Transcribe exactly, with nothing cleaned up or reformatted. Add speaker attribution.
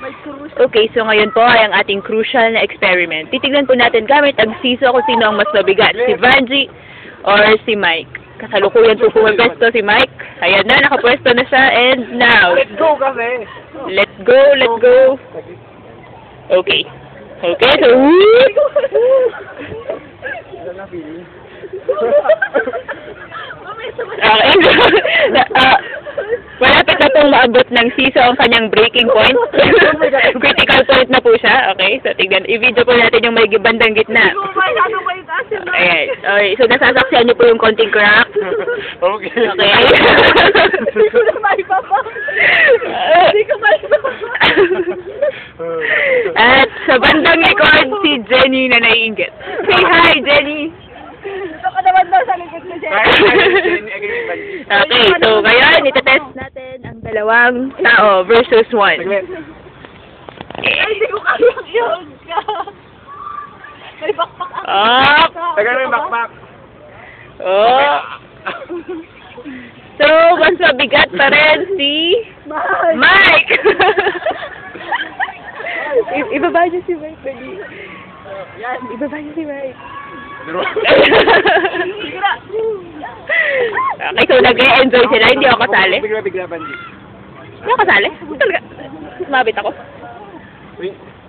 Speaker 1: Okay, so ngayon po ay ang ating crucial na experiment. Titignan po natin gamit ang siso kung sino ang mas mabigat, si Vanji or si Mike. Kasalukuyan po pumapwesto si Mike. Ayan na, nakapwesto na siya. And now,
Speaker 2: Let's go kasi!
Speaker 1: let's go, let's go. Okay. Okay, so, woo! Okay. uh, malapit na pong maabot ng siso ang kanyang breaking point. Critical point na po siya. Okay, so tignan. I-video po natin yung may bandang gitna. Ayan. Okay, so nasasaksihan niyo po yung konting crack.
Speaker 2: Okay.
Speaker 1: Okay.
Speaker 3: Hindi ko na maipapa. Hindi ko maipapa.
Speaker 1: At sa bandang likod, si Jenny na naiinggit. Say hi, Jenny!
Speaker 3: Ito ka naman daw sa likod ko, Jen.
Speaker 1: Okay, so ngayon, itetest natin ang dalawang tao versus one.
Speaker 3: Ay, hindi ko kayang yun ka. May bakpak ako.
Speaker 1: Up!
Speaker 2: Tagal mo yung backpack.
Speaker 1: Oh! So, mas mabigat pa rin si
Speaker 3: Mahal.
Speaker 1: Mike! I- ibaba niyo si Mike, dali.
Speaker 3: Yan.
Speaker 1: Ibaba niyo si Mike.
Speaker 3: Sige na.
Speaker 1: Okay, so nag-e-enjoy sila. Hindi ako kasali.
Speaker 2: Bigla, bigla, Banji.
Speaker 1: Hindi ako kasali. Talaga. Mas mabit ako.
Speaker 2: Wait.